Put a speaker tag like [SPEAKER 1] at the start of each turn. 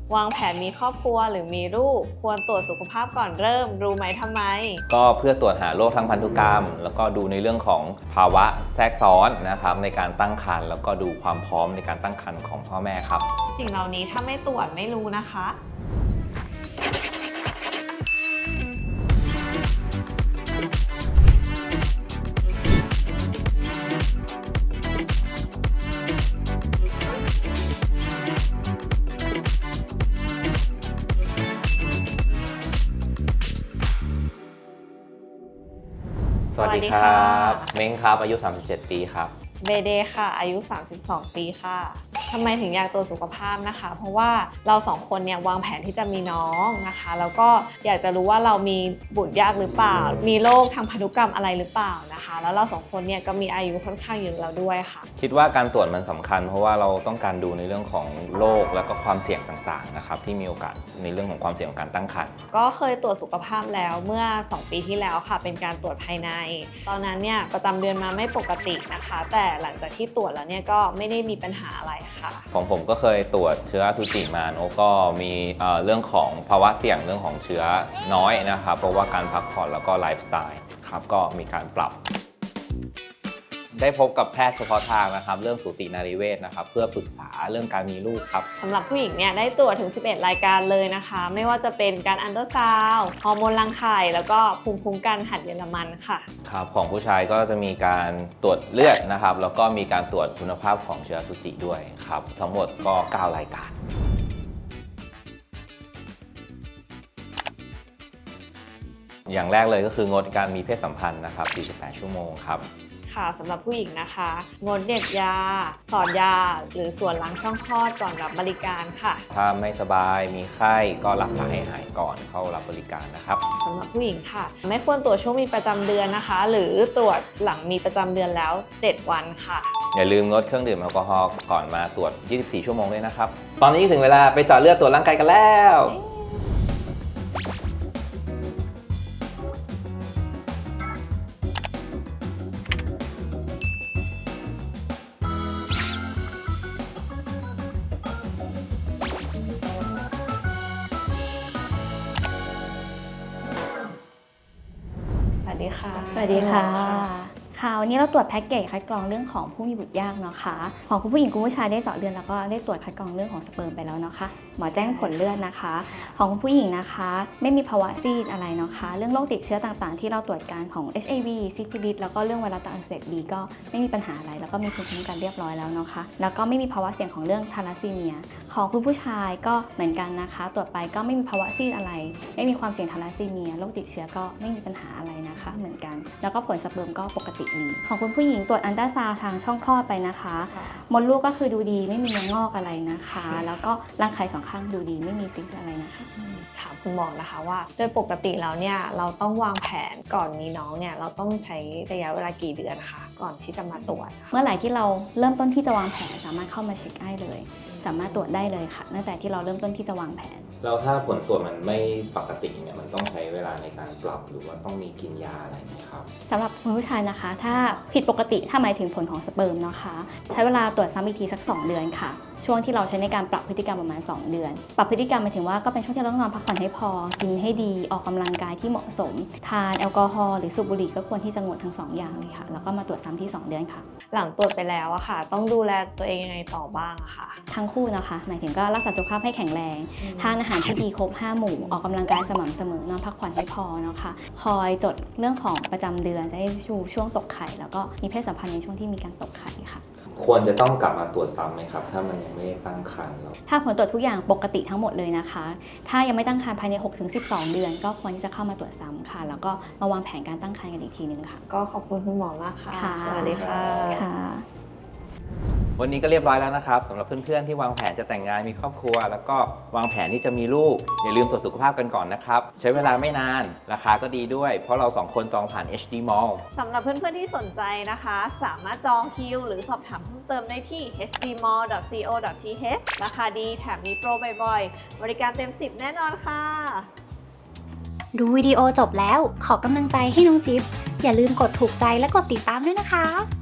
[SPEAKER 1] วางแผนมีครอบครัวหรือมีลูกควรตรวจสุขภาพก่อนเริ่มรู้ไหมทำไม
[SPEAKER 2] ก็เพื่อตรวจหาโรคทางพันธุกรรมแล้วก็ดูในเรื่องของภาวะแทรกซ้อนนะครับในการตั้งครรภ์แล้วก็ดูความพร้อมในการตั้งครรภ์ของพ่อแม่ครับ
[SPEAKER 1] สิ่งเหล่านี้ถ้าไม่ตรวจไม่รู้นะคะ
[SPEAKER 2] สวัสดีครับเม้งครับอายุ37 ปีครับ
[SPEAKER 1] เบเดค่ะอายุ32 ปีค่ะทำไมถึงอยากตรวจสุขภาพนะคะเพราะว่าเรา2 คนเนี่ยวางแผนที่จะมีน้องนะคะแล้วก็อยากจะรู้ว่าเรามีบุตรยากหรือเปล่ามีโรคทางพันธุกรรมอะไรหรือเปล่านะคะแล้วเรา2 คนเนี่ยก็มีอายุค่อนข้างเยอะแล้วด้วยค่ะ
[SPEAKER 2] คิดว่าการตรวจมันสำคัญเพราะว่าเราต้องการดูในเรื่องของโรคแล้วก็ความเสี่ยงต่างๆนะครับที่มีโอกาสในเรื่องของความเสี่ยงของการตั้งครรภ์
[SPEAKER 1] ก็เคยตรวจสุขภาพแล้วเมื่อ2 ปีที่แล้วค่ะเป็นการตรวจภายในตอนนั้นเนี่ยประจำเดือนมาไม่ปกตินะคะแต่หลังจากที่ตรวจแล้วเนี่ยก็ไม่ได้มีปัญหาอะไรค่ะ
[SPEAKER 2] ของผมก็เคยตรวจเชื้ออสุจิมาโนก็มีเรื่องของภาวะเสี่ยงเรื่องของเชื้อน้อยนะครับเพราะว่าการพักผ่อนแล้วก็ไลฟ์สไตล์ครับก็มีการปรับได้พบกับแพทย์เฉพาะทางนะครับเรื่องสูตินารีเวชนะครับเพื่อปรึกษาเรื่องการมีลูกครับ
[SPEAKER 1] สำหรับผู้หญิงเนี่ยได้ตรวจถึง11 รายการเลยนะคะไม่ว่าจะเป็นการอัลตราซาวด์ฮอร์โมนรังไข่แล้วก็ภูมิคุ้มกันหัดเยอรมันค่ะ
[SPEAKER 2] ครับของผู้ชายก็จะมีการตรวจเลือดนะครับแล้วก็มีการตรวจคุณภาพของเชื้ออสุจิด้วยครับทั้งหมดก็9 รายการอย่างแรกเลยก็คืองดการมีเพศสัมพันธ์นะครับ48 ชั่วโมงครับ
[SPEAKER 1] ค่ะสำหรับผู้หญิงนะคะงดเด็ดยาสอดยาหรือส่วนล้างช่องคลอดก่อนรับบริการค่ะ
[SPEAKER 2] ถ้าไม่สบายมีไข้ก็รักษาให้หายก่อนเข้ารับบริการนะครับ
[SPEAKER 1] สำหรับผู้หญิงค่ะไม่ควรตรวจช่วงมีประจำเดือนนะคะหรือตรวจหลังมีประจำเดือนแล้ว7 วันค่ะ
[SPEAKER 2] อย่าลืมงดเครื่องดื่มแอลกอฮอล์ก่อนมาตรวจ24 ชั่วโมงด้วยนะครับตอนนี้ถึงเวลาไปเจาะเลือดตรวจร่างกายกันแล้ว
[SPEAKER 1] สวัสดีค่ะ
[SPEAKER 3] สวัสดีค่ะวันนี้เราตรวจแพ็กเกจคัดกรองเรื่องของผู้มีบุตรยากเนาะค่ะของคุณผู้หญิงคุณผู้ชายได้เจาะเลือดแล้วก็ได้ตรวจคัดกรองเรื่องของสเปิร์มไปแล้วเนาะค่ะหมอแจ้งผลเลือดนะคะของคุณผู้หญิงนะคะไม่มีภาวะซีดอะไรเนาะค่ะเรื่องโรคติดเชื้อต่างๆที่เราตรวจการของ HIV ซิฟิลิสแล้วก็เรื่องไวรัสตับอักเสบบีก็ไม่มีปัญหาอะไรแล้วก็มีภูมิคุ้มกันเรียบร้อยแล้วเนาะค่ะแล้วก็ไม่มีภาวะเสี่ยงของเรื่องทาลัสซีเมียของคุณผู้ชายก็เหมือนกันนะคะตรวจไปก็ไม่มีภาวะซีดอะไรไม่มีความเสี่ยงทาลัสซีเมียโรคติดเชื้อก็ไม่มีปัญหาอะไรนะคะเหมือนกันแล้วก็ผลสเปิร์มก็ปกติดีของคุณผู้หญิงตรวจอัลตราซาวด์ทางช่องคลอดไปนะคะมดลูกก็คือดูดีไม่มีเนื้องอกอะไรนะคะแล้วก็รังไข่2 ข้างดูดีไม่มีซิสอะไรนะคะ
[SPEAKER 1] ถามคุณหมอนะคะว่าโดยปกติแล้วเนี่ยเราต้องวางแผนก่อนมีน้องเนี่ยเราต้องใช้ระยะเวลากี่เดือนคะก่อนที่จะมาตรวจ
[SPEAKER 3] เมื่อไหร่ที่เราเริ่มต้นที่จะวางแผนสามารถเข้ามาเช็คได้เลยสามารถตรวจได้เลยค่ะตั้งแต่ที่เราเริ่มต้นที่จะวางแผน
[SPEAKER 2] แล้วถ้าผลตรวจมันไม่ปกติเนี่ยมันต้องใช้เวลาในการปรับหรือว่าต้องมีกินยาอะไรไหมครับ
[SPEAKER 3] สำหรับคุณผู้ชายนะคะถ้าผิดปกติถ้าหมายถึงผลของสเปิร์มนะคะใช้เวลาตรวจซ้ำอีกทีสัก2 เดือนค่ะช่วงที่เราใช้ในการปรับพฤติกรรมประมาณ2 เดือนปรับพฤติกรรมหมายถึงว่าก็เป็นช่วงที่เราต้องนอนพักผ่อนให้พอกินให้ดีออกกำลังกายที่เหมาะสมทานแอลกอฮอล์หรือสูบบุหรี่ก็ควรที่จะงดทั้ง2 อย่างเลยค่ะแล้วก็มาตรวจซ้ำที่2 เดือนค่ะ
[SPEAKER 1] หลังตรวจไปแล้วอะค่ะต้องดูแลตัวเองยังไงต่อบ้างอะค่ะ
[SPEAKER 3] ทั้งคู่นะคะหมายถึงก็รักษาสุขภาพให้แข็งแรงทานอาหารที่ดีครบ5 หมู่ออกกำลังกายสม่ำเสมอนอนพักผ่อนให้พอนะคะคอยจดเรื่องของประจำเดือนจะให้ดูช่วงตกไข่แล้วก็มีเพศสัมพันธ์ในช่วงที่มีการตกไข่ค่ะ
[SPEAKER 2] ควรจะต้องกลับมาตรวจซ้ำไหมครับถ้ามันยังไม่ได้ตั้งครรภ์แล้ว
[SPEAKER 3] ถ้าผลตรวจทุกอย่างปกติทั้งหมดเลยนะคะถ้ายังไม่ตั้งครรภ์ภายใน 6-12 เดือนก็ควรที่จะเข้ามาตรวจซ้ำค่ะแล้วก็มาวางแผนการตั้งครรภ์กันอีกทีนึงค่ะ
[SPEAKER 1] ก็ขอบคุณคุณหมอมากค่ะ
[SPEAKER 3] สวัสดีค่ะ
[SPEAKER 2] วันนี้ก็เรียบร้อยแล้วนะครับสำหรับเพื่อนๆที่วางแผนจะแต่งงานมีครอบครัวแล้วก็วางแผนที่จะมีลูกอย่าลืมตรวจสุขภาพกันก่อนนะครับใช้เวลาไม่นานราคาก็ดีด้วยเพราะเรา2 คนจองผ่าน HD Mall
[SPEAKER 1] สำหรับเพื่อนๆที่สนใจนะคะสามารถจองคิวหรือสอบถามเพิ่มเติมได้ที่ hdmall.co.th ราคาดีแถมมีโปรบ่อยๆบริการเต็ม10แน่นอนค่ะ
[SPEAKER 4] ดูวิดีโอจบแล้วขอกำลังใจให้น้องจิ๊บอย่าลืมกดถูกใจและกดติดตามด้วยนะคะ